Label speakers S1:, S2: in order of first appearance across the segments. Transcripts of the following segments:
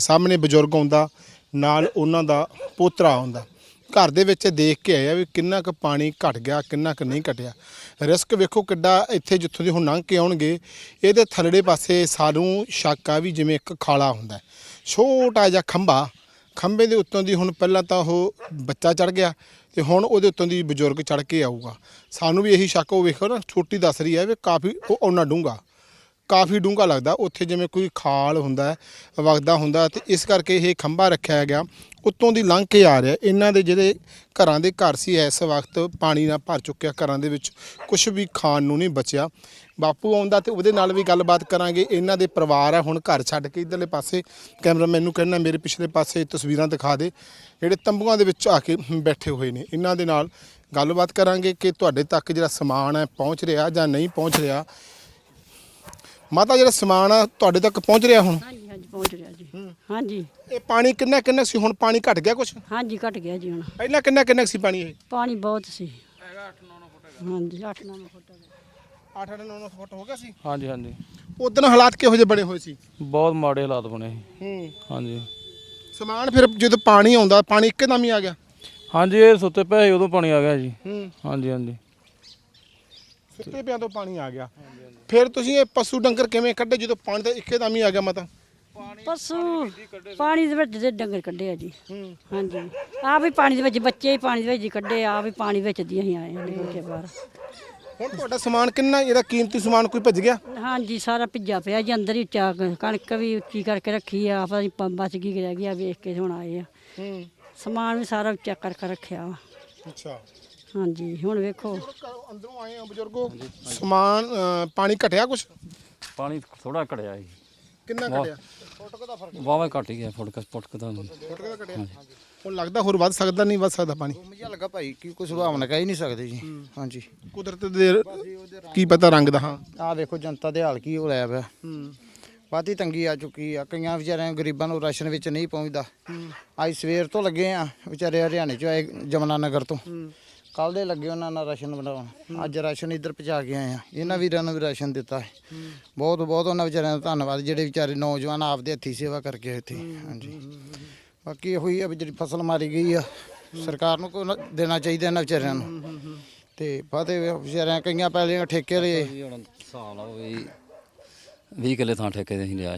S1: ਸਾਹਮਣੇ ਬਜ਼ੁਰਗ ਆਉਂਦਾ ਨਾਲ ਉਹਨਾਂ ਦਾ ਪੋਤਰਾ ਆਉਂਦਾ ਘਰ ਦੇ ਵਿੱਚ ਦੇਖ ਕੇ ਆਇਆ ਵੀ ਕਿੰਨਾ ਕੁ ਪਾਣੀ ਘਟ ਗਿਆ ਕਿੰਨਾ ਕੁ ਨਹੀਂ ਘਟਿਆ। ਰਿਸਕ ਵੇਖੋ ਕਿੱਡਾ ਇੱਥੇ ਜਿੱਥੋਂ ਦੀ ਹੁਣ ਲੰਘ ਕੇ ਆਉਣਗੇ ਇਹਦੇ ਥੱਲੜੇ ਪਾਸੇ ਸਾਨੂੰ ਸ਼ੱਕ ਆ ਵੀ ਜਿਵੇਂ ਇੱਕ ਖਾਲਾ ਹੁੰਦਾ ਛੋਟਾ ਜਿਹਾ ਖੰਭੇ ਦੇ ਉੱਤੋਂ ਦੀ ਹੁਣ ਪਹਿਲਾਂ ਤਾਂ ਉਹ ਬੱਚਾ ਚੜ ਗਿਆ ਤੇ ਹੁਣ ਉਹਦੇ ਉੱਤੋਂ ਦੀ ਬਜ਼ੁਰਗ ਚੜ ਕੇ ਆਊਗਾ। ਸਾਨੂੰ ਵੀ ਇਹੀ ਸ਼ੱਕ ਉਹ ਵੇਖੋ ਨਾ ਛੋਟੀ ਦੱਸ ਰਹੀ ਹੈ ਵੀ ਕਾਫੀ ਉਹ ਉਹਨਾਂ ਡੂੰਘਾ ਕਾਫੀ ਡੂੰਘਾ ਲੱਗਦਾ ਉੱਥੇ ਜਿਵੇਂ ਕੋਈ ਖਾਲ ਹੁੰਦਾ ਵਗਦਾ ਹੁੰਦਾ ਤੇ ਇਸ ਕਰਕੇ ਇਹ ਖੰਭਾ ਰੱਖਿਆ ਗਿਆ ਉੱਤੋਂ ਦੀ ਲੰਘ ਕੇ ਆ ਰਿਹਾ। ਇਹਨਾਂ ਦੇ ਜਿਹੜੇ ਘਰਾਂ ਦੇ ਘਰ ਸੀ ਇਸ ਵਕਤ ਪਾਣੀ ਨਾਲ ਭਰ ਚੁੱਕਿਆ ਘਰਾਂ ਦੇ ਵਿੱਚ ਕੁਝ ਵੀ ਖਾਣ ਨੂੰ ਨਹੀਂ ਬਚਿਆ। ਬਾਪੂ ਆਉਂਦਾ ਤੇ ਉਹਦੇ ਨਾਲ ਵੀ ਗੱਲਬਾਤ ਕਰਾਂਗੇ। ਇਹਨਾਂ ਦੇ ਪਰਿਵਾਰ ਆ ਹੁਣ ਘਰ ਛੱਡ ਕੇ ਇੱਧਰਲੇ ਪਾਸੇ ਕੈਮਰਾਮੈਨ ਨੂੰ ਕਹਿਣਾ ਮੇਰੇ ਪਿਛਲੇ ਪਾਸੇ ਤਸਵੀਰਾਂ ਦਿਖਾ ਦੇ ਜਿਹੜੇ ਤੰਬੂਆਂ ਦੇ ਵਿੱਚ ਆ ਕੇ ਬੈਠੇ ਹੋਏ ਨੇ। ਇਹਨਾਂ ਦੇ ਨਾਲ ਗੱਲਬਾਤ ਕਰਾਂਗੇ ਕਿ ਤੁਹਾਡੇ ਤੱਕ ਜਿਹੜਾ ਸਮਾਨ ਹੈ ਪਹੁੰਚ ਰਿਹਾ ਜਾਂ ਨਹੀਂ ਪਹੁੰਚ ਰਿਹਾ। ਮਾਤਾ ਜਿਹੜਾ ਸਮਾਨ ਆ ਤੁਹਾਡੇ ਤੱਕ ਪਹੁੰਚ ਰਿਹਾ ਹੁਣ?
S2: ਹਾਂਜੀ ਹਾਂਜੀ ਪਹੁੰਚ ਰਿਹਾ ਜੀ। ਹਾਂਜੀ
S1: ਇਹ ਪਾਣੀ ਕਿੰਨਾ ਸੀ ਹੁਣ ਪਾਣੀ ਘਟ ਗਿਆ ਕੁਛ?
S2: ਹਾਂਜੀ ਘਟ ਗਿਆ ਜੀ ਹੁਣ।
S1: ਪਹਿਲਾਂ ਕਿੰਨਾ ਸੀ ਪਾਣੀ? ਇਹ
S2: ਪਾਣੀ ਬਹੁਤ ਸੀ ਹੈਗਾ 8-9 ਫੁੱਟ ਹੈਗਾ। ਹਾਂਜੀ 8-9 ਫੁੱਟ ਹੈਗਾ।
S1: 8-9 ਫੁੱਟ ਹੋ ਗਿਆ ਸੀ।
S3: ਹਾਂਜੀ ਹਾਂਜੀ
S1: ਉਦੋਂ ਹਾਲਾਤ ਕਿਹੋ ਜਿਹੇ ਬਣੇ ਹੋਏ ਸੀ?
S3: ਬਹੁਤ ਮਾੜੇ ਹਾਲਾਤ ਬਣੇ
S1: ਹੂੰ
S3: ਹਾਂਜੀ।
S1: ਸਮਾਨ ਫਿਰ ਜਦੋਂ ਪਾਣੀ ਆਉਂਦਾ ਪਾਣੀ ਇੱਕਦਮ ਹੀ ਆ ਗਿਆ?
S3: ਹਾਂਜੀ ਇਹ ਸੁੱਤੇ ਪਏ ਸੀ, ਉਦੋਂ ਪਾਣੀ ਆ ਗਿਆ ਜੀ। ਹਾਂਜੀ ਹਾਂਜੀ
S1: ਸੁੱਤੇ ਪਿਆਂ ਤੋਂ ਪਾਣੀ ਆ ਗਿਆ। ਫਿਰ ਤੁਸੀਂ ਇਹ ਪਸ਼ੂ ਡੰਗਰ ਕਿਵੇਂ ਕੱਢੇ ਜਦੋਂ ਪਾਣੀ ਤਾਂ ਇੱਕਦਮ ਹੀ ਆ ਗਿਆ? ਮਾਤਾ
S2: ਪਸ਼ੂ ਪਾਣੀ ਦੇ ਵਿੱਚ ਦੇ ਡੰਗਰ ਕੱਢੇ ਆ ਜੀ। ਹਾਂਜੀ ਆ ਵੀ ਪਾਣੀ ਦੇ ਵਿੱਚ ਬੱਚੇ ਹੀ ਪਾਣੀ ਦੇ ਵਿੱਚ ਹੀ ਕੱਢੇ ਆ ਵੀ ਪਾਣੀ ਵਿੱਚ ਦੀ ਅਸੀਂ ਆਏ ਨੇ ਕੇ ਬਾਹਰ।
S1: ਹੁਣ ਤੁਹਾਡਾ ਸਮਾਨ ਕਿੰਨਾ ਇਹਦਾ ਕੀਮਤੀ ਸਮਾਨ ਕੋਈ ਭੱਜ ਗਿਆ?
S2: ਹਾਂਜੀ ਸਾਰਾ ਭਿੱਜਾ ਪਿਆ ਜੀ ਅੰਦਰ ਹੀ ਚਾ ਕਣਕ ਵੀ ਉੱਚੀ ਕਰਕੇ ਰੱਖੀ ਆ ਪਤਾ ਨਹੀਂ ਬਚ ਗਈ ਰਹਿ ਗਈ ਆ ਵੇਖ ਕੇ ਹੁਣ ਆਏ ਆ। ਸਮਾਨ ਵੀ ਸਾਰਾ ਚੈੱਕ ਕਰਕੇ ਰੱਖਿਆ ਵਾ।
S1: ਅੱਛਾ
S2: ਹਾਂਜੀ ਹੁਣ ਵੇਖੋ
S1: ਅੰਦਰੋਂ ਆਏ ਆ ਬਜ਼ੁਰਗੋ ਸਮਾਨ ਪਾਣੀ ਘਟਿਆ ਕੁਛ?
S3: ਪਾਣੀ ਥੋੜਾ ਘਟਿਆ ਜੀ।
S1: ਕਿੰਨਾ ਘਟਿਆ?
S3: ਵਾਵਾ ਘਟ ਹੀ ਗਿਆ ਫੁੱਟ ਦਾ
S1: ਫੁੱਟ ਦਾ ਘਟਿਆ। ਹੁਣ ਲੱਗਦਾ ਹੋਰ ਵੱਧ ਸਕਦਾ ਨਹੀਂ ਵੱਧ ਸਕਦਾ ਪਾਣੀ?
S4: ਮੁਝੇ ਲੱਗਾ ਭਾਈ ਕਿ ਕੋਈ ਸੁਭਾਵਨਾ ਕਹਿ ਹੀ ਨਹੀਂ ਸਕਦੇ ਜੀ। ਹਾਂਜੀ
S1: ਕੁਦਰਤ ਦੇ ਕੀ ਪਤਾ ਰੰਗ ਦਾ। ਹਾਂ
S4: ਆਹ ਵੇਖੋ ਜਨਤਾ ਦੇ ਹਾਲ ਕੀ ਹੋ ਰਿਹਾ ਪਿਆ। ਵਾਧੀ ਤੰਗੀ ਆ ਚੁੱਕੀ ਆ ਕਈਆਂ ਵਿਚਾਰਿਆਂ ਗਰੀਬਾਂ ਨੂੰ ਰਾਸ਼ਨ ਵਿੱਚ ਨਹੀਂ ਪਹੁੰਚਦਾ। ਅੱਜ ਸਵੇਰ ਤੋਂ ਲੱਗੇ ਆ ਵਿਚਾਰੇ ਹਰਿਆਣੇ ਚੋਂ ਆਏ ਜਮਨਾ ਨਗਰ ਤੋਂ ਕੱਲ ਦੇ ਲੱਗੇ ਉਹਨਾਂ ਨਾਲ ਰਾਸ਼ਨ ਬਣਾਉਣ। ਅੱਜ ਰਾਸ਼ਨ ਇੱਧਰ ਪਹੁੰਚਾ ਕੇ ਆਏ ਆ। ਇਹਨਾਂ ਵੀਰਾਂ ਨੂੰ ਵੀ ਰਾਸ਼ਨ ਦਿੱਤਾ ਹੈ। ਬਹੁਤ ਬਹੁਤ ਉਹਨਾਂ ਵਿਚਾਰਿਆਂ ਦਾ ਧੰਨਵਾਦ ਜਿਹੜੇ ਵਿਚਾਰੇ ਨੌਜਵਾਨ ਆਪਦੇ ਹੱਥੀਂ ਸੇਵਾ ਕਰਕੇ ਇੱਥੇ। ਹਾਂਜੀ ਬਾਕੀ ਇਹੋ ਹੀ ਆ ਵੀ ਜਿਹੜੀ ਫਸਲ ਮਾਰੀ ਗਈ ਆ ਸਰਕਾਰ ਨੂੰ ਕੋਈ ਦੇਣਾ ਚਾਹੀਦਾ ਇਹਨਾਂ ਵਿਚਾਰਿਆਂ ਨੂੰ। ਤੇ ਫਤਿਹ ਵਿਚਾਰਿਆਂ ਕਈਆਂ ਪਹਿਲੇ ਠੇਕੇ ਲਏ।
S3: ਹੁਣ ਹਿਸਾਬ ਲਾਓ ਵੀ 20 ਕਿੱਲੇ ਥਾਂ ਠੇਕੇ ਦੇ ਅਸੀਂ ਲਿਆ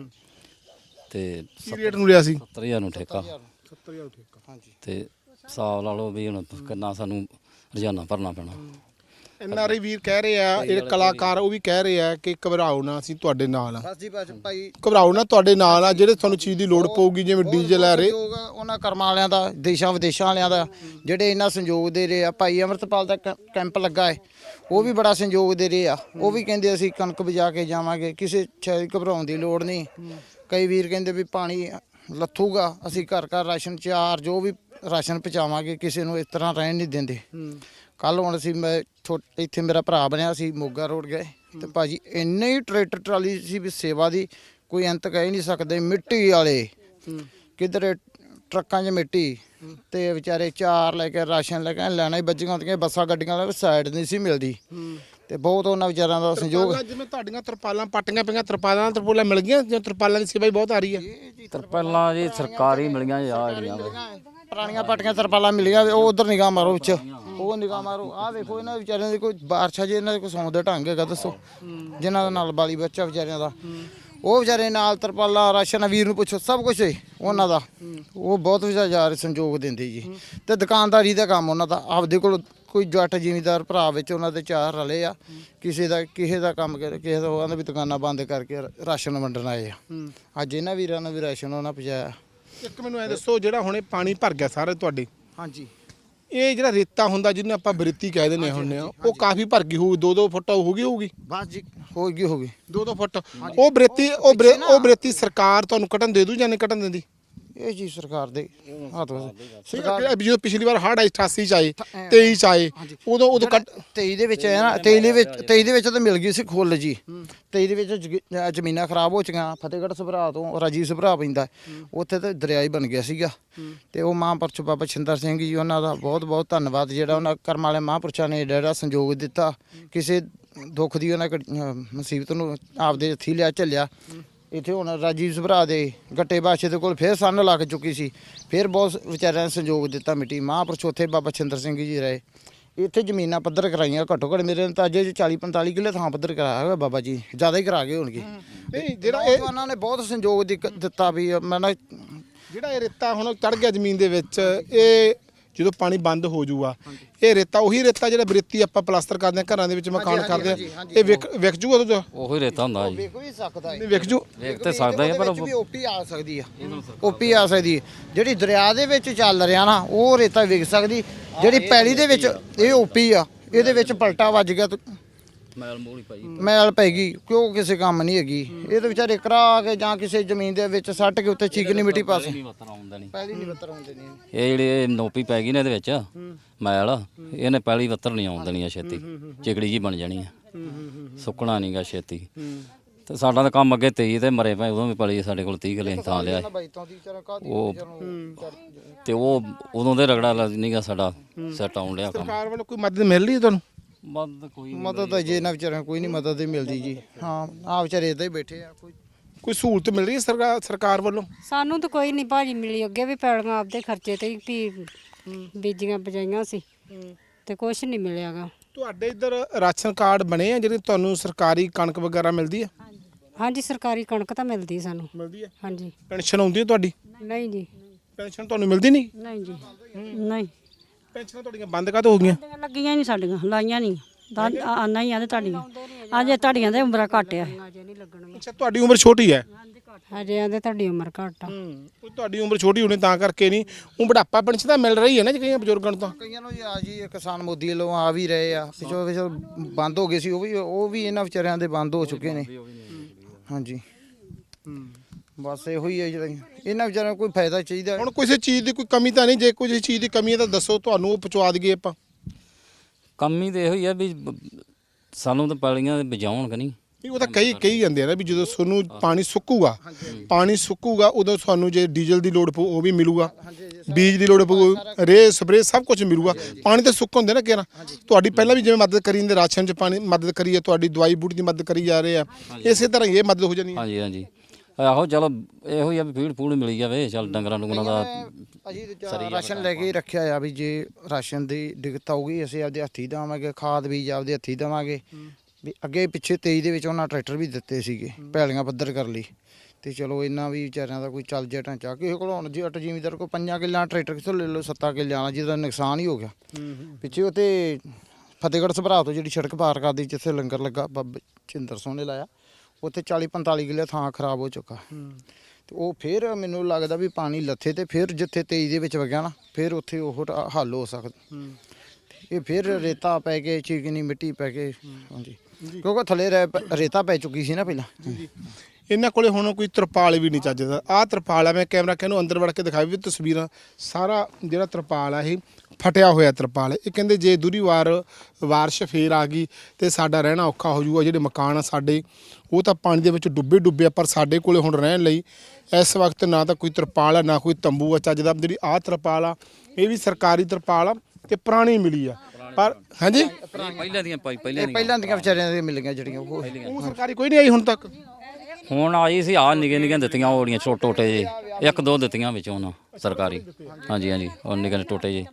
S3: ਤੇ
S1: ਕੀ ਰੇਟ ਨੂੰ ਲਿਆ ਸੀ?
S3: 70,000 ਨੂੰ ਠੇਕਾ।
S1: 70,000 ਠੇਕਾ।
S4: ਹਾਂਜੀ
S3: ਤੇ ਹਿਸਾਬ ਲਾ ਲਓ ਵੀ ਹੁਣ ਕਿੰਨਾ ਸਾਨੂੰ ਰੋਜ਼ਾਨਾ ਭਰਨਾ ਪੈਣਾ।
S1: ਐਨਆਰਆਈ ਵੀਰ ਕਹਿ ਰਹੇ ਆ ਜਿਹੜੇ ਕਲਾਕਾਰ ਉਹ ਵੀ ਕਹਿ ਰਹੇ ਆ ਕਿ ਘਬਰਾਓ ਨਾ ਅਸੀਂ ਤੁਹਾਡੇ ਨਾਲ ਆ।
S4: ਬਸ ਜੀ ਬਸ ਭਾਈ
S1: ਘਬਰਾਓ ਨਾ ਤੁਹਾਡੇ ਨਾਲ ਆ ਜਿਹੜੇ ਤੁਹਾਨੂੰ ਚੀਜ਼ ਦੀ ਲੋੜ ਪਊਗੀ ਜਿਵੇਂ ਡੀਜ਼ਲ ਆ ਰਹੇ
S4: ਉਹਨਾਂ ਕਰਮਾਂ ਵਾਲਿਆਂ ਦਾ ਦੇਸ਼ਾਂ ਵਿਦੇਸ਼ਾਂ ਵਾਲਿਆਂ ਦਾ ਜਿਹੜੇ ਇੰਨਾ ਸੰਯੋਗ ਦੇ ਰਹੇ ਆ। ਭਾਈ ਅਮਰਤਪਾਲ ਦਾ ਕੈਂਪ ਲੱਗਾ ਹੈ ਉਹ ਵੀ ਬੜਾ ਸੰਯੋਗ ਦੇ ਰਹੇ ਆ। ਉਹ ਵੀ ਕਹਿੰਦੇ ਅਸੀਂ ਕਣਕ ਬਜਾ ਕੇ ਜਾਵਾਂਗੇ ਕਿਸੇ ਘਬਰਾਉਣ ਦੀ ਲੋੜ ਨਹੀਂ। ਕਈ ਵੀਰ ਕਹਿੰਦੇ ਵੀ ਪਾਣੀ ਲੱਥੂਗਾ ਅਸੀਂ ਘਰ ਘਰ ਰਾਸ਼ਨ ਚਾਰ ਜੋ ਵੀ ਰਾਸ਼ਨ ਪਹੁੰਚਾਵਾਂਗੇ ਕਿਸੇ ਨੂੰ ਇਸ ਤਰ੍ਹਾਂ ਰਹਿਣ ਨਹੀਂ ਦਿੰਦੇ। ਕੱਲ ਹੁਣ ਅਸੀਂ ਮੈਂ ਇੱਥੇ ਮੇਰਾ ਭਰਾ ਬਣਿਆ ਸੀ ਮੋਗਾ ਰੋਡ ਗਏ ਤੇ ਭਾਜੀ ਇੰਨੇ ਹੀ ਟਰੈਕਟਰ ਟਰਾਲੀ ਸੀ ਵੀ ਸੇਵਾ ਦੀ ਕੋਈ ਅੰਤ ਕਹਿ ਨਹੀਂ ਸਕਦੇ। ਮਿੱਟੀ ਵਾਲੇ ਕਿਧਰੇ ਟਰੱਕਾਂ 'ਚ ਮਿੱਟੀ ਤੇ ਵਿਚਾਰੇ ਚਾਰ ਲੈ ਕੇ ਰਾਸ਼ਨ ਲੈ ਕੇ ਲੈਣਾ ਹੀ ਬੱਜੀਆਂ ਹੁੰਦੀਆਂ ਬੱਸਾਂ ਗੱਡੀਆਂ ਵਾਲੇ ਸਾਈਡ ਨਹੀਂ ਸੀ ਮਿਲਦੀ। ਤੇ ਬਹੁਤ ਉਹਨਾਂ ਵਿਚਾਰਿਆਂ ਦਾ ਸੰਯੋਗ।
S1: ਜਿਵੇਂ ਤੁਹਾਡੀਆਂ ਤਰਪਾਲਾਂ ਪੱਟੀਆਂ ਪਈਆਂ ਤਰਪਾਲਾਂ ਮਿਲ ਗਈਆਂ ਜਾਂ ਤਰਪਾਲਾਂ ਦੀ ਸੇਵਾ ਹੀ ਬਹੁਤ ਆ ਰਹੀ ਹੈ?
S3: ਤਰਪਾਲਾਂ ਜੀ ਸਰਕਾਰੀ ਮਿਲੀਆਂ ਜਾ ਰਹੀਆਂ
S4: ਪੁਰਾਣੀਆਂ ਪੱਟੀਆਂ ਤਰਪਾਲਾਂ ਮਿਲੀਆਂ ਉਹ ਉਧਰ ਨਿਗਾਹ ਮਾਰੋ ਵਿੱਚ ਉਹ ਨਿਗਾਹ ਮਾਰੋ। ਆਹ ਵੇਖੋ ਇਹਨਾਂ ਵਿਚਾਰਿਆਂ ਦੀ ਕੋਈ ਬਾਰਸ਼ਾ ਜੇ ਇਹਨਾਂ ਦੇ ਕੋਈ ਸੌਣ ਦਾ ਢੰਗ ਹੈਗਾ ਦੱਸੋ? ਜਿਨ੍ਹਾਂ ਦਾ ਨਾਲ ਬਾਲੀ ਬੱਚਾ ਵਿਚਾਰਿਆਂ ਦਾ ਉਹ ਵਿਚਾਰੇ ਨਾਲ ਤਰਪਾਲਾਂ ਰਾਸ਼ਨ ਵੀਰ ਨੂੰ ਪੁੱਛੋ ਸਭ ਕੁਝ ਉਹਨਾਂ ਦਾ। ਉਹ ਬਹੁਤ ਵਿਚਾਰੇ ਸੰਯੋਗ ਦਿੰਦੇ ਜੀ। ਤੇ ਦੁਕਾਨਦਾਰੀ ਦਾ ਕੰਮ ਉਹਨਾਂ ਦਾ ਆਪਦੇ ਕੋਲ ਕੋਈ ਜੱਟ ਜ਼ਿਮੀਂਦਾਰ ਭਰਾ ਵਿੱਚ ਉਹਨਾਂ ਦੇ ਚਾਰ ਰਲੇ ਆ। ਕਿਸੇ ਦਾ ਕੰਮ ਕਿਸੇ ਦਾ ਉਹਨਾਂ ਦੀ ਦੁਕਾਨਾਂ ਬੰਦ ਕਰਕੇ ਰਾਸ਼ਨ ਵੰਡਣ ਆਏ ਆ। ਅੱਜ ਇਹਨਾਂ ਵੀਰਾਂ ਨੂੰ ਵੀ ਰਾਸ਼ਨ ਉਹਨਾਂ ਪਹੁੰਚਾਇਆ।
S1: ਇੱਕ ਮੈਨੂੰ ਐ ਦੱਸੋ ਜਿਹੜਾ ਹੁਣੇ ਪਾਣੀ ਭਰ ਗਿਆ ਸਾਰੇ ਤੁਹਾਡੇ
S4: ਹਾਂਜੀ
S1: ਇਹ ਜਿਹੜਾ ਰੇਤਾ ਹੁੰਦਾ ਜਿਹਨੂੰ ਆਪਾਂ ਬਰੇਤੀ ਕਹਿ ਦਿੰਦੇ ਹੁੰਦੇ ਆ ਉਹ ਕਾਫੀ ਭਰ ਗਈ ਹੋਊ 2-2 ਫੁੱਟ ਹੋਊਗੀ?
S4: ਬਸ ਜੀ ਹੋ ਗਈ
S1: 2-2 ਫੁੱਟ। ਉਹ ਬਰੇਤੀ ਸਰਕਾਰ ਤੁਹਾਨੂੰ ਕੱਢਣ ਦੇ ਦੂ ਜਾਂ ਨਹੀਂ ਕੱਢਣ ਦਿੰਦੀ?
S4: ਇਹ ਜੀ ਸਰਕਾਰ ਦੇ ਹੱਥ
S1: ਸਰਕਾਰ ਜਦੋਂ ਪਿਛਲੀ ਵਾਰ ਹੜ੍ਹ 88 ਚ ਆਏ 23 ਚ ਆਏ ਉਦੋਂ
S4: 23 ਦੇ ਵਿੱਚ ਆਇਆ ਨਾ 23 ਦੇ ਵਿੱਚ ਤਾਂ ਮਿਲ ਗਈ ਸੀ ਖੁੱਲ ਜੀ। 23 ਦੇ ਵਿੱਚ ਜ਼ਮੀਨਾਂ ਖਰਾਬ ਹੋ ਚੁੱਕੀਆਂ। ਫਤਿਹਗੜ੍ਹ ਸਭਰਾ ਤੋਂ ਰਾਜੀਵ ਸਭਰਾ ਪੈਂਦਾ ਉੱਥੇ ਤਾਂ ਦਰਿਆ ਹੀ ਬਣ ਗਿਆ ਸੀਗਾ। ਤੇ ਉਹ ਮਹਾਂਪੁਰਸ਼ ਬਾਬਾ ਛਿੰਦਰ ਸਿੰਘ ਜੀ ਉਹਨਾਂ ਦਾ ਬਹੁਤ ਬਹੁਤ ਧੰਨਵਾਦ ਜਿਹੜਾ ਉਹਨਾਂ ਕਰਮ ਵਾਲੇ ਮਹਾਂਪੁਰਸ਼ਾਂ ਨੇ ਜਿਹੜਾ ਸੰਯੋਗ ਦਿੱਤਾ। ਕਿਸੇ ਦੁੱਖ ਦੀ ਉਹਨਾਂ ਮੁਸੀਬਤ ਨੂੰ ਆਪਦੇ ਹੱਥੀਂ ਲਿਆ ਝੱਲਿਆ। ਇੱਥੇ ਹੁਣ ਰਾਜੀਵ ਸਭਰਾ ਦੇ ਗੱਟੇ ਬਾਸ਼ੇ ਦੇ ਕੋਲ ਫਿਰ ਸੰਨ ਲੱਗ ਚੁੱਕੀ ਸੀ, ਫਿਰ ਬਹੁਤ ਵਿਚਾਰਿਆਂ ਨੇ ਸੰਯੋਗ ਦਿੱਤਾ ਮਿੱਟੀ। ਮਹਾਂਪੁਰਸ਼ ਉੱਥੇ ਬਾਬਾ ਛਿੰਦਰ ਸਿੰਘ ਜੀ ਰਹੇ। ਇੱਥੇ ਜ਼ਮੀਨਾਂ ਪੱਧਰ ਕਰਾਈਆਂ, ਘੱਟੋ ਘੱਟ ਮੇਰੇ ਅੰਦਾਜ਼ੇ 'ਚ 40-45 ਕਿੱਲੇ ਥਾਂ ਪੱਧਰ ਕਰਾਇਆ ਹੋਇਆ ਬਾਬਾ ਜੀ, ਜ਼ਿਆਦਾ ਹੀ ਕਰਾ ਗਏ ਹੋਣਗੇ।
S1: ਨਹੀਂ ਜਿਹੜਾ
S4: ਉਹਨਾਂ ਨੇ ਬਹੁਤ ਸੰਯੋਗ ਦਿੱਤਾ ਵੀ ਮੈਂ ਨਾ
S1: ਜਿਹੜਾ ਇਹ ਰੇਤਾ ਹੁਣ ਚੜ ਗਿਆ ਜ਼ਮੀਨ ਦੇ ਵਿੱਚ, ਇਹ ਜਦੋਂ ਪਾਣੀ ਬੰਦ ਹੋ ਜਾਊਗਾ, ਇਹ ਰੇਤਾ ਉਹੀ ਰੇਤਾ ਜਿਹੜਾ ਬਰੇਤੀ ਆਪਾਂ ਪਲਾਸਟਰ ਕਰਦੇ ਹਾਂ ਘਰਾਂ ਦੇ ਵਿੱਚ, ਮਕਾਨ ਕਰਦੇ ਆ, ਇਹ ਵਿਕ ਜੂਗਾ ਉਦੋਂ?
S3: ਉਹੀ ਰੇਤਾ ਹੁੰਦਾ ਜੀ।
S4: ਵੇਖ ਵੀ ਸਕਦਾ ਹੈ,
S1: ਨਹੀਂ ਵਿਕ ਜੂ।
S3: ਵੇਖ ਤੇ ਸਕਦਾ ਹੈ ਪਰ
S4: ਵੀ ਓਪੀ ਆ ਸਕਦੀ ਆ, ਓਪੀ ਆ ਸਕਦੀ ਹੈ। ਜਿਹੜੀ ਦਰਿਆ ਦੇ ਵਿੱਚ ਚੱਲ ਰਿਹਾ ਨਾ ਉਹ ਰੇਤਾ ਵਿਕ ਸਕਦੀ, ਜਿਹੜੀ ਪੈਲੀ ਦੇ ਵਿੱਚ ਇਹ ਓਪੀ ਆ, ਇਹਦੇ ਵਿੱਚ ਪਲਟਾ ਵੱਜ ਗਿਆ ਤੇ
S3: ਮੈਲ ਮੂਲੀ ਪਾਈ
S4: ਮੈਲ ਪੈ ਗਈ, ਕਿਉਂ ਕਿਸੇ ਕੰਮ ਨਹੀਂ ਹੈਗੀ। ਇਹ ਤਾਂ ਵਿਚਾਰੇ ਕਰਾ ਕੇ ਜਾਂ ਕਿਸੇ ਜ਼ਮੀਨ ਦੇ ਵਿੱਚ ਸੱਟ ਕੇ ਉੱਤੇ ਚੀਕਣੀ ਮਿੱਟੀ ਪਾਸੇ
S3: ਨਹੀਂ ਵਤਰ ਆਉਂਦਾ ਨਹੀਂ।
S4: ਪੈਲੀ ਨਹੀਂ ਬੱਤਰ ਆਉਂਦੇ ਨਹੀਂ।
S3: ਇਹ ਜਿਹੜੇ ਨੋਪੀ ਪੈ ਗਈ ਨੇ ਇਹਦੇ ਵਿੱਚ ਮੈਲ, ਇਹਨੇ ਪਹਿਲੀ ਵੱਤਰ ਨਹੀਂ ਆਉਣ ਦੇਣੀ ਆ ਛੇਤੀ, ਚਿਕੜੀ ਜੀ ਬਣ ਜਾਣੀ ਆ, ਸੁੱਕਣਾ ਨਹੀਂਗਾ ਛੇਤੀ। ਤੇ ਸਾਡਾ ਤਾਂ ਕੰਮ ਅੱਗੇ 23 ਤੇ ਮਰੇ ਪਏ, ਉਦੋਂ ਵੀ ਪਲੀ ਸਾਡੇ ਕੋਲ 30 ਕਿੱਲੇ ਥਾਂ ਲਿਆ ਉਹ, ਤੇ ਉਹ ਉਦੋਂ ਦੇ ਰਗੜਾ ਨਹੀਂਗਾ ਸਾਡਾ ਸੈੱਟ ਆਉਣ ਲਿਆ ਕੰਮ।
S1: ਸਰਕਾਰ ਵੱਲੋਂ ਕੋਈ ਮਦਦ ਮਿਲ ਰਹੀ ਹੈ ਤੁਹਾਨੂੰ?
S4: ਮਦਦ ਤਾਂ ਜੇ ਨਾ ਵਿਚਾਰਿਆਂ ਕੋਈ ਨਹੀਂ ਮਦਦ ਹੀ ਮਿਲਦੀ ਜੀ। ਹਾਂ ਆ ਵਿਚਾਰੇ ਇੱਦਾਂ ਹੀ ਬੈਠੇ ਆ।
S1: ਕੋਈ ਸਹੂਲਤ ਮਿਲ ਰਹੀ ਹੈ ਸਰਕਾਰ ਵੱਲੋਂ?
S5: ਸਾਨੂੰ ਤਾਂ ਕੋਈ ਨਹੀਂ ਭਾਜੀ ਮਿਲੀ, ਅੱਗੇ ਵੀ ਪੈਲੀਆਂ ਆਪਦੇ ਖਰਚੇ ਤੇ ਹੀ ਵੀ ਬੀਜੀਆਂ ਬਜਾਈਆਂ ਸੀ ਤੇ ਕੁਝ ਨਹੀਂ ਮਿਲਿਆਗਾ।
S1: ਤੁਹਾਡੇ ਇੱਧਰ ਰਾਸ਼ਨ ਕਾਰਡ ਬਣੇ ਆ ਜਿਹੜੇ ਤੁਹਾਨੂੰ ਸਰਕਾਰੀ ਕਣਕ ਵਗੈਰਾ ਮਿਲਦੀ ਹੈ?
S5: ਹਾਂਜੀ ਸਰਕਾਰੀ ਕਣਕ ਤਾਂ ਮਿਲਦੀ ਸਾਨੂੰ।
S1: ਮਿਲਦੀ ਹੈ।
S5: ਹਾਂਜੀ।
S1: ਪੈਨਸ਼ਨ ਆਉਂਦੀ ਹੈ ਤੁਹਾਡੀ?
S5: ਨਹੀਂ ਜੀ।
S1: ਪੈਨਸ਼ਨ ਤੁਹਾਨੂੰ ਮਿਲਦੀ ਨਹੀਂ?
S2: ਨਹੀਂ ਜੀ ਨਹੀਂ।
S1: ਪੈਨਸ਼ਨਾਂ ਤੁਹਾਡੀਆਂ ਬੰਦ ਕਾਹਤੋਂ ਹੋ ਗਈਆਂ?
S2: ਲੱਗੀਆਂ ਨਹੀਂ ਸਾਡੀਆਂ, ਲਾਈਆਂ ਨਹੀਂ। ਆਨਾ ਹੀ ਆਦੇ ਤੁਹਾਡੀਆਂ, ਅਜੇ ਤੁਹਾਡੀਆਂ ਦੇ ਉਮਰਾਂ ਘੱਟ ਆ।
S1: ਅੱਛਾ ਤੁਹਾਡੀ ਉਮਰ ਛੋਟੀ ਹੈ?
S5: ਹਜੇ ਆਂਦੇ ਤੁਹਾਡੀ ਉਮਰ ਘੱਟ ਆ।
S1: ਉਹ ਤੁਹਾਡੀ ਉਮਰ ਛੋਟੀ ਹੋਣੀ ਤਾਂ ਕਰਕੇ ਨਹੀਂ, ਉਹ ਬੁਢਾਪਾ ਪੈਨਸ਼ਨ ਤਾਂ ਮਿਲ ਰਹੀ ਹੈ ਨਾ ਜੀ ਕਈਆਂ ਬਜ਼ੁਰਗਾਂ ਨੂੰ ਤਾਂ।
S4: ਕਈਆਂ ਨੂੰ ਆ ਜੀ ਕਿਸਾਨ ਮੋਦੀ ਵੱਲੋਂ ਆ ਵੀ ਰਹੇ ਆ, ਪਿਛੋ ਬੰਦ ਹੋ ਗਏ ਸੀ ਉਹ ਵੀ ਇਹਨਾਂ ਵਿਚਾਰਿਆਂ ਦੇ ਬੰਦ ਹੋ ਚੁੱਕੇ ਨੇ। ਹਾਂਜੀ ਬਸ ਇਹੋ ਹੀ ਹੈ ਜਿਹੜਾ ਇਹਨਾਂ ਵਿਚਾਰਿਆਂ ਨੂੰ ਕੋਈ ਫਾਇਦਾ ਚਾਹੀਦਾ।
S1: ਹੁਣ ਕਿਸੇ ਚੀਜ਼ ਦੀ ਕੋਈ ਕਮੀ ਤਾਂ ਨਹੀਂ? ਜੇ ਕੋਈ ਚੀਜ਼ ਦੀ ਕਮੀ ਹੈ ਤਾਂ ਦੱਸੋ, ਤੁਹਾਨੂੰ ਉਹ ਪਹੁੰਚਾ ਦਈਏ ਆਪਾਂ।
S3: ਕਮੀ ਤਾਂ ਇਹੋ ਹੀ ਆ ਵੀ ਸਾਨੂੰ ਤਾਂ ਪੈਲੀਆਂ ਬਜਾਉਣ ਕਿ ਨਹੀਂ।
S1: ਉਹ ਤਾਂ ਕਈ ਜਾਂਦੇ ਆ ਨਾ ਵੀ ਜਦੋਂ ਤੁਹਾਨੂੰ ਪਾਣੀ ਸੁੱਕੂਗਾ ਉਦੋਂ ਤੁਹਾਨੂੰ ਜੇ ਡੀਜ਼ਲ ਦੀ ਲੋੜ ਪਊ ਉਹ ਵੀ ਮਿਲੂਗਾ, ਬੀਜ ਦੀ ਲੋੜ ਪਊ, ਰੇ ਸਪਰੇ ਸਭ ਕੁਝ ਮਿਲੂਗਾ। ਪਾਣੀ ਤਾਂ ਸੁੱਕ ਹੁੰਦੇ ਨਾ ਕਿਹੜਾ। ਤੁਹਾਡੀ ਪਹਿਲਾਂ ਵੀ ਜਿਵੇਂ ਮਦਦ ਕਰੀ ਜਾਂਦੇ ਰਾਸ਼ਨ 'ਚ ਪਾਣੀ ਮਦਦ ਕਰੀ ਹੈ, ਤੁਹਾਡੀ ਦਵਾਈ ਬੂਟੀ ਦੀ ਮਦਦ ਕਰੀ ਜਾ ਰਹੇ ਆ, ਇਸੇ ਤਰ੍ਹਾਂ ਇਹ ਮਦਦ ਹੋ ਜਾਣੀ ਹੈ।
S3: ਹਾਂਜੀ ਹਾਂਜੀ ਆਹੋ ਚਲੋ ਇਹੋ ਹੀ ਆ ਵੀ ਫੀਡ ਫੂਡ ਮਿਲੀ ਜਾਵੇ, ਚੱਲ ਡੰਗਰਾਂ ਡੁੰਗਰਾਂ ਦਾ।
S4: ਅਸੀਂ ਰਾਸ਼ਨ ਲੈ ਕੇ ਰੱਖਿਆ ਆ ਵੀ ਜੇ ਰਾਸ਼ਨ ਦੀ ਦਿੱਕਤ ਆਊਗੀ ਅਸੀਂ ਆਪਦੇ ਹੱਥੀਂ ਦੇਵਾਂਗੇ, ਖਾਦ ਬੀਜ ਆਪਦੇ ਹੱਥੀਂ ਦੇਵਾਂਗੇ। ਵੀ ਅੱਗੇ ਪਿੱਛੇ 23 ਦੇ ਵਿੱਚ ਉਹਨਾਂ ਟਰੈਕਟਰ ਵੀ ਦਿੱਤੇ ਸੀਗੇ ਪੈਲੀਆਂ ਪੱਧਰ ਕਰ ਲਈ, ਤੇ ਚਲੋ ਇਹਨਾਂ ਵੀ ਵਿਚਾਰਿਆਂ ਦਾ ਕੋਈ ਚੱਲ ਜਿਹਾ ਢਾਂਚਾ। ਕਿਸੇ ਕੋਲ ਹੁਣ ਜੱਟ ਜ਼ਿਮੀਂਦਾਰ ਕੋਲ 5 ਕਿੱਲਿਆਂ ਟਰੈਕਟਰ ਕਿੱਥੋਂ ਲੈ ਲਓ, 7 ਕਿੱਲਿਆਂ ਵਾਲਾ ਜਿਹਦਾ ਨੁਕਸਾਨ ਹੀ ਹੋ ਗਿਆ। ਪਿੱਛੇ ਉੱਥੇ ਫਤਿਹਗੜ੍ਹ ਸਭਰਾ ਤੋਂ ਜਿਹੜੀ ਸੜਕ ਪਾਰ ਕਰਦੀ ਜਿੱਥੇ ਲੰਗਰ ਲੱਗਾ ਬਾਬਾ ਛਿੰਦਰ ਸਿੰਘ ਨੇ ਲਾਇਆ, ਉੱਥੇ 40-45 ਕਿੱਲੇ ਥਾਂ ਖਰਾਬ ਹੋ ਚੁੱਕਾ। ਤੇ ਉਹ ਫਿਰ ਮੈਨੂੰ ਲੱਗਦਾ ਵੀ ਪਾਣੀ ਲੱਥੇ ਤੇ ਫਿਰ ਜਿੱਥੇ 23 ਦੇ ਵਿੱਚ ਵਗਿਆ ਨਾ ਫਿਰ ਉੱਥੇ ਉਹ ਹੱਲ ਹੋ ਸਕਦਾ। ਇਹ ਫਿਰ ਰੇਤਾ ਪੈ ਕੇ ਚੀਕਣੀ ਮਿੱਟੀ ਪੈ ਕੇ, ਹਾਂਜੀ ਕਿਉਂਕਿ ਥੱਲੇ ਰੇਤਾ ਪੈ ਚੁੱਕੀ ਸੀ ਨਾ ਪਹਿਲਾਂ।
S1: ਇਹਨਾਂ ਕੋਲੇ ਹੁਣ ਕੋਈ ਤਰਪਾਲ ਵੀ ਨਹੀਂ ਚੱਜਦਾ। ਆਹ ਤਰਪਾਲ ਆ, ਮੈਂ ਕੈਮਰਾ ਕਹਿੰਨੂੰ ਅੰਦਰ ਵੜ ਕੇ ਦਿਖਾਈ ਵੀ ਤਸਵੀਰਾਂ, ਸਾਰਾ ਜਿਹੜਾ ਤਰਪਾਲ ਆ ਇਹ ਫਟਿਆ ਹੋਇਆ ਤਰਪਾਲ ਹੈ। ਇਹ ਕਹਿੰਦੇ ਜੇ ਦੂਰੀ ਬਾਰਿਸ਼ ਫੇਰ ਆ ਗਈ ਤੇ ਸਾਡਾ ਰਹਿਣਾ ਔਖਾ ਹੋ ਜਾਊਗਾ। ਜਿਹੜੇ ਮਕਾਨ ਆ ਸਾਡੇ ਉਹ ਤਾਂ ਪਾਣੀ ਦੇ ਵਿੱਚ ਡੁੱਬੇ ਆ, ਪਰ ਸਾਡੇ ਕੋਲੇ ਹੁਣ ਰਹਿਣ ਲਈ ਇਸ ਵਕਤ ਨਾ ਤਾਂ ਕੋਈ ਤਰਪਾਲ ਆ ਨਾ ਕੋਈ ਤੰਬੂ ਆ ਚੱਜਦਾ। ਜਿਹੜੀ ਆਹ ਤਰਪਾਲ ਆ ਇਹ ਵੀ ਸਰਕਾਰੀ ਤਰਪਾਲ ਆ ਤੇ ਪੁਰਾਣੀ ਮਿਲੀ ਆ, ਪਰ ਹਾਂਜੀ
S3: ਪਹਿਲਾਂ ਦੀਆਂ
S4: ਪਹਿਲਾਂ ਦੀਆਂ ਵਿਚਾਰਿਆਂ ਦੇ ਮਿਲ ਗਈਆਂ ਜਿਹੜੀਆਂ
S1: ਉਹ ਸਰਕਾਰੀ ਕੋਈ ਨਹੀਂ ਆਈ ਹੁਣ ਤੱਕ।
S3: ਹੁਣ ਆਈ ਸੀ ਆ ਨਿੱਕੀਆਂ ਦਿੱਤੀਆਂ ਉਹੜੀਆਂ ਟੋਟੇ ਜੇ, ਇੱਕ ਦੋ ਦਿੱਤੀਆਂ ਵਿੱਚੋਂ ਉਹਨਾਂ ਸਰਕਾਰੀ। ਹਾਂਜੀ ਹਾਂਜੀ ਉਹ ਨਿੱਕੇ ਟੋਟੇ ਜੇ,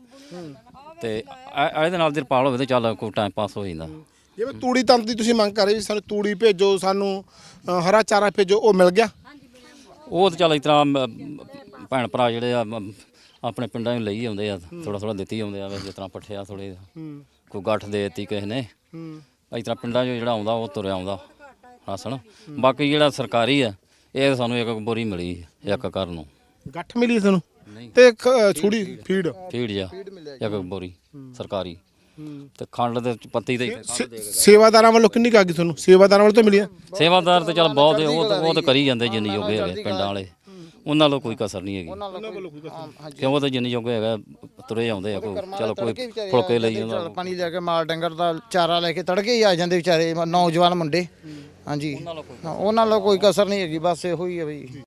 S3: ਤੇ ਇਹਦੇ ਨਾਲ ਤਰਪਾਲ ਹੋਵੇ ਤਾਂ ਚੱਲ ਕੋਈ ਟਾਈਮ ਪਾਸ ਹੋ ਜਾਂਦਾ।
S1: ਜਿਵੇਂ ਤੂੜੀ ਤੰਦ ਦੀ ਤੁਸੀਂ ਮੰਗ ਕਰ ਰਹੇ ਵੀ ਸਾਨੂੰ ਤੂੜੀ ਭੇਜੋ, ਸਾਨੂੰ ਹਰਾ ਚਾਰਾ ਭੇਜੋ, ਉਹ ਮਿਲ ਗਿਆ?
S3: ਉਹ ਤਾਂ ਚੱਲ ਇਸ ਤਰ੍ਹਾਂ ਭੈਣ ਭਰਾ ਜਿਹੜੇ ਆ ਆਪਣੇ ਪਿੰਡਾਂ ਨੂੰ ਲਈ ਆਉਂਦੇ ਆ, ਥੋੜਾ ਦਿੱਤੀ ਆਉਂਦੇ ਆ। ਜਿਸ ਤਰ੍ਹਾਂ ਪੱਠਿਆ ਥੋੜੇ ਕੋਈ ਗੱਠ ਦੇ ਦਿੱਤੀ ਕਿਸੇ ਨੇ, ਇਸ ਤਰ੍ਹਾਂ ਪਿੰਡਾਂ 'ਚੋਂ ਜਿਹੜਾ ਆਉਂਦਾ ਉਹ ਤੁਰਿਆ ਆਉਂਦਾ ਰਾਸ਼ਨ। ਬਾਕੀ ਜਿਹੜਾ ਸਰਕਾਰੀ ਆ ਇਹ ਸਾਨੂੰ ਇੱਕ ਬੋਰੀ ਮਿਲੀ ਇੱਕ ਘਰ ਨੂੰ।
S1: ਗੱਠ ਮਿਲੀ ਤੁਹਾਨੂੰ ਤੇ ਛੁੜੀ ਫੀਡ
S3: ਜਾ ਇੱਕ ਬੋਰੀ ਸਰਕਾਰੀ, ਤੇ ਖੰਡ ਦੇ ਪੱਤੀ ਤੇ
S1: ਸੇਵਾਦਾਰਾਂ ਵੱਲੋਂ ਕਿੰਨੀ ਕਾਗੀ ਤੁਹਾਨੂੰ? ਸੇਵਾਦਾਰਾਂ ਵੱਲੋਂ ਤਾਂ ਮਿਲੀ?
S3: ਸੇਵਾਦਾਰ ਤੇ ਚੱਲ ਬਹੁਤ ਉਹ ਤਾਂ ਕਰੀ ਜਾਂਦੇ ਜਿੰਨੀ ਜੋਗੇ ਹੈਗੇ ਪਿੰਡਾਂ ਵਾਲੇ, ਉਹਨਾਂ ਵੱਲੋਂ ਕੋਈ ਕਸਰ ਨਹੀਂ ਹੈਗੀ। ਕਿਉਂ ਉਹ ਤਾਂ ਜਿੰਨੀ ਜੋਗੇ ਹੈਗਾ ਤੁਰੇ ਆਉਂਦੇ ਆ, ਚਲੋ ਕੋਈ ਫੁਲਕੇ ਲਈ ਜਾਂਦਾ,
S4: ਪਾਣੀ ਲੈ ਕੇ ਮਾਲ ਡੰਗਰ ਦਾ ਚਾਰਾ ਲੈ ਕੇ ਤੜਕੇ ਹੀ ਆ ਜਾਂਦੇ ਵਿਚਾਰੇ ਨੌਜਵਾਨ ਮੁੰਡੇ। ਹਾਂਜੀ ਉਹਨਾਂ ਵੱਲੋਂ ਕੋਈ ਕਸਰ ਨਹੀਂ ਹੈਗੀ, ਬਸ ਇਹੋ ਹੀ ਹੈ ਬਈ।